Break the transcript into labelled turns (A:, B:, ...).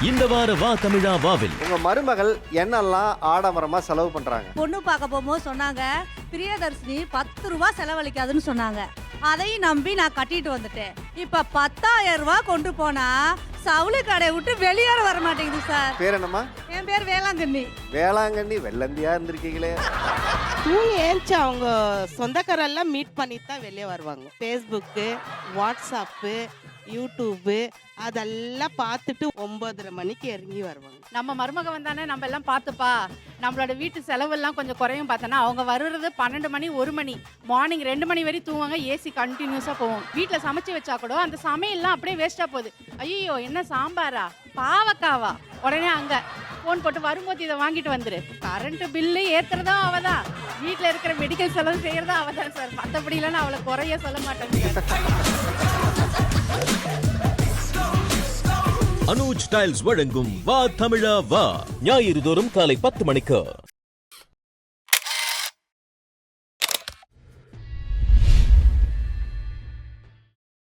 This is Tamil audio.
A: இந்த வார வா தமிழா வாவில்
B: உங்க மருமகள் என்னெல்லாம் ஆடம்பரமா செலவு பண்றாங்க?
C: பொண்ணு பார்க்க போகும்போது சொன்னாங்க பிரியதர்ஷினி 10 ரூபாய் செலவழிக்காதுன்னு சொன்னாங்க. அதையும் நம்பி நான் கட்டிட்டு வந்துட்டேன். இப்ப 10,000 ரூபாய் கொண்டு போனா சவுளி கடையை விட்டு வெளியேற வர மாட்டேங்குது சார்.
B: பேர் என்னம்மா?
C: என் பேர் வேளாங்கண்ணி.
B: வேளாங்கண்ணி வெள்ளந்தியா இருந்திருக்கீங்களே.
D: தூங்கி ஏஞ்சி அவங்க சொந்தக்காரெல்லாம் மீட் பண்ணிட்டு தான் வெளியே வருவாங்க. ஃபேஸ்புக்கு, வாட்ஸ்அப்பு, யூடியூப்பு அதெல்லாம் பார்த்துட்டு 9:30 மணிக்கு இறங்கி வருவாங்க.
E: நம்ம மருமக வந்தானே நம்ம எல்லாம் பார்த்துப்பா, நம்மளோட வீட்டு செலவெல்லாம் கொஞ்சம் குறையும் பார்த்தோன்னா அவங்க வருறது 12 மணி 1 மணி, மார்னிங் 2 மணி வரை தூங்குவாங்க. ஏசி கண்டினியூஸாக போவோம். வீட்டில் சமைச்சு வச்சா கூட அந்த சமையல்லாம் அப்படியே வேஸ்ட்டாக போகுது. ஐயோ என்ன சாம்பாரா பாவக்காவா, உடனே அங்கே ஃபோன் போட்டு வரும்போது இதை வாங்கிட்டு வந்துரு. கரண்ட் பில்லு ஏற்றுறதும் அவதான், வீட்டில் இருக்கிற மெடிக்கல் செலவு செய்கிறதும் அவதான் சார். மற்றபடிலாம் நான் அவளை குறைய சொல்ல மாட்டேன்.
A: அனுஜ் டைல்ஸ் வழங்கும் வா தமிழா வா ஞாயிறு தோறும் காலை 10 மணிக்கு.